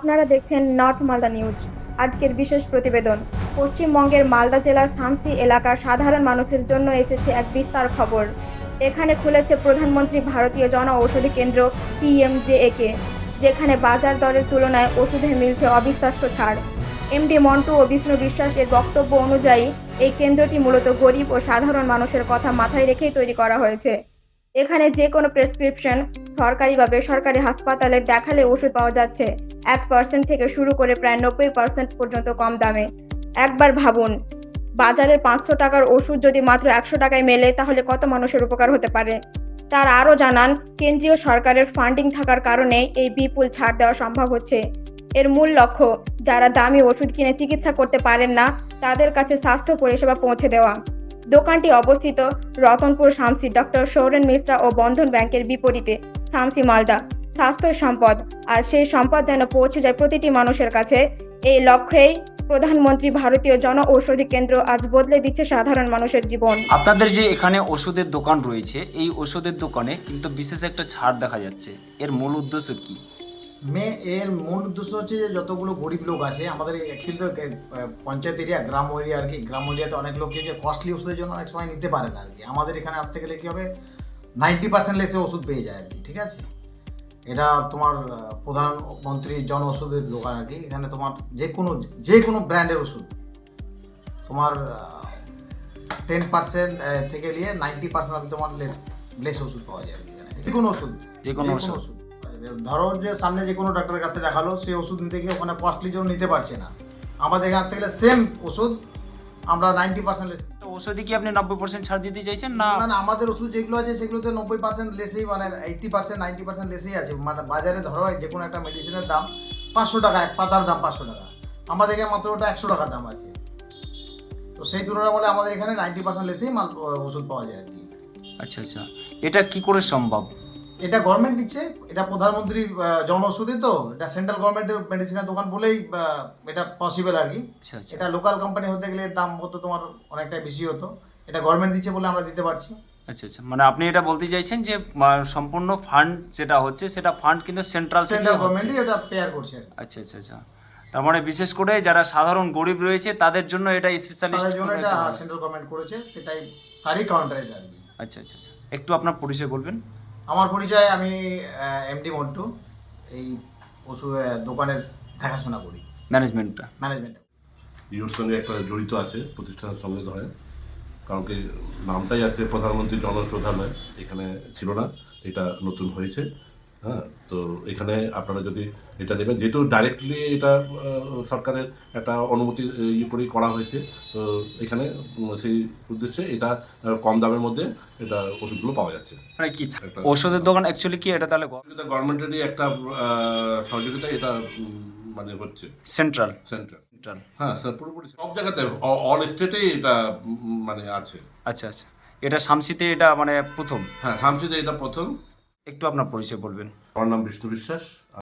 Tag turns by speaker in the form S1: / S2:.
S1: আপনারা দেখছেন north Malda news. আজকের বিশেষ প্রতিবেদন। পশ্চিমবঙ্গের মালদা জেলার শামসি এলাকার সাধারণ মানুষের জন্য এসেছে এক বিস্তার খবর। এখানে খুলেছে প্রধানমন্ত্রী ভারতীয় জন ঔষধি কেন্দ্র PMJAK, যেখানে বাজার দরের তুলনায় ওষুধে মিলছে অবিশ্বাস্য ছাড়। এমডি মন্টু ও বিষ্ণু বিশ্বাস এর বক্তব্য অনুযায়ী এই কেন্দ্রটি মূলত গরিব ও সাধারণ মানুষের কথা মাথায় রেখেই তৈরি করা হয়েছে। এখানে যে কোনো প্রেসক্রিপশন সরকারি বা বেসরকারি হাসপাতালে দেখালে ওষুধ পাওয়া যাচ্ছে 1% থেকে শুরু করে প্রায় 90% পর্যন্ত কম দামে। একবার ভাবুন, বাজারে 500 টাকার ওষুধ যদি মাত্র 100 টাকায় মেলে, তাহলে কত মানুষের উপকার হতে পারে। তার আরও জানান, কেন্দ্রীয় সরকারের ফান্ডিং থাকার কারণে এই বিপুল ছাড় দেওয়া সম্ভব হচ্ছে। এর মূল লক্ষ্য, যারা দামি ওষুধ কিনে চিকিৎসা করতে পারেন না, তাদের কাছে স্বাস্থ্য পরিষেবা পৌঁছে দেওয়া। দোকানটি অবস্থিত রতনপুর শামসি ডক্টর সৌরেন মিশ্রা ও বন্ধন ব্যাংকের বিপরীতে, শামসি মালদা। স্বাস্থ্য সম্পদ, আর সেই সম্পদ যেন পৌঁছে যায় প্রতিটি মানুষের কাছে। এই লক্ষ্যেই প্রধানমন্ত্রী ভারতীয় জন ঔষধি কেন্দ্র আজ বদলে দিচ্ছে সাধারণ মানুষের জীবন।
S2: আপনাদের যে এখানে ওষুধের দোকান রয়েছে, এই ওষুধের দোকানে কিন্তু বিশেষ একটা ছাড় দেখা যাচ্ছে, এর মূল উদ্দেশ্য কি?
S3: এর মূল উদ্দেশ্য হচ্ছে যে যতগুলো গরিব লোক আছে আমাদের অ্যাকচুয়ালি তো পঞ্চায়েত এরিয়া, গ্রাম এরিয়া আর কি। গ্রাম এরিয়াতে অনেক লোক যে কস্টলি ওষুধের জন্য অনেক সময় নিতে পারে না আর কি। আমাদের এখানে আসতে গেলে কী হবে, 90% লেসে ওষুধ পেয়ে যায় আর কি। ঠিক আছে, এটা তোমার প্রধানমন্ত্রী জন ওষুধের দোকান আর কি। এখানে তোমার যে কোনো ব্র্যান্ডের ওষুধ তোমার 10% থেকে নিয়ে 90% অবধি তোমার লেস ওষুধ পাওয়া যায় আর কি। যে কোনো ওষুধ ধরো যে সামনে যে কোনো ডাক্তারের কাছে দেখালো, সেই ওষুধ নিতে গিয়ে ওখানে কস্টলি জন্য নিতে পারছে না। আমাদের এখান থেকে সেম ওষুধ আমরা 90% লেস।
S2: ওষুধে কি আপনি 90% ছাড় দিতে চাইছেন না?
S3: না, আমাদের ওষুধ যেগুলো আছে সেগুলোতে 90% লেসেই, মানে 80% 90% লেসেই আছে। মানে বাজারে ধরো যে কোনো একটা মেডিসিনের দাম 500 টাকা, এক পাতার দাম 500 টাকা, আমাদের এখানে মাত্র ওটা 100 টাকার দাম আছে। তো সেই তুলনায় বলে আমাদের এখানে 90% লেসেই ওষুধ পাওয়া যায় আর কি।
S2: আচ্ছা আচ্ছা, এটা কি করে সম্ভব?
S3: এটা গভর্নমেন্ট দিচ্ছে, এটা প্রধানমন্ত্রী জন ওষুধি, তো এটা সেন্ট্রাল গভর্নমেন্টের মেডিসিনের দোকান বলেই এটা পসিবল আর কি।
S2: আচ্ছা আচ্ছা,
S3: এটা লোকাল কোম্পানি হতে গেলে দাম হতো তোমার অনেকটাই বেশি হতো। এটা গভর্নমেন্ট দিচ্ছে বলে আমরা দিতে পারছি।
S2: আচ্ছা আচ্ছা, মানে আপনি এটা বলতে চাইছেন যে সম্পূর্ণ ফান্ড যেটা হচ্ছে, সেটা ফান্ড কিন্তু সেন্ট্রাল
S3: গভর্নমেন্টই এটা পেয়ার করছে।
S2: আচ্ছা আচ্ছা আচ্ছা, তার মানে বিশেষ করে যারা সাধারণ গরিব রয়েছে তাদের জন্য এটা স্পেশালিস্ট,
S3: তাদের জন্য এটা সেন্ট্রাল গভর্নমেন্ট করেছে, সেটাই তারই কাউন্টার এটা আর কি।
S2: আচ্ছা আচ্ছা আচ্ছা, একটু আপনার পরিচয় বলবেন?
S3: আমার পরিচয়, আমি এমডি মন্টু, এই ওষুধ দোকানের দেখাশোনা করি, ম্যানেজমেন্ট।
S4: ইওর সঙ্গে একটা জড়িত আছে প্রতিষ্ঠানের সঙ্গে, ধরেন কারণ কি নামটাই আছে প্রধানমন্ত্রী জন ঔষধালয়, এখানে ছিল না, এটা নতুন হয়েছে। হ্যাঁ, তো এখানে আপনারা যদি এটা নেবেন, যেহেতু ডাইরেক্টলি এটা সরকারের একটা অনুমতি করেই করা হয়েছে, তো এখানে সেই উদ্দেশ্যে এটা কম দামের মধ্যে এটা ওষুধগুলো পাওয়া যাচ্ছে।
S2: মানে কি ওষুধের দোকান অ্যাকচুয়ালি কি এটা? তাহলে
S4: গভর্নমেন্টেরই একটা সহযোগিতা এটা মানে হচ্ছে সেন্ট্রাল। হ্যাঁ স্যার, পুরোপুরি সব জায়গাতে, অল স্টেটেই এটা মানে আছে।
S2: আচ্ছা আচ্ছা, এটা শামসিতে এটা মানে প্রথম?
S4: হ্যাঁ, শামসিতে এটা প্রথম।
S2: একটু আপনার পরিচয় বলবেন?
S4: আমার নাম বিষ্ণু বিশ্বাস।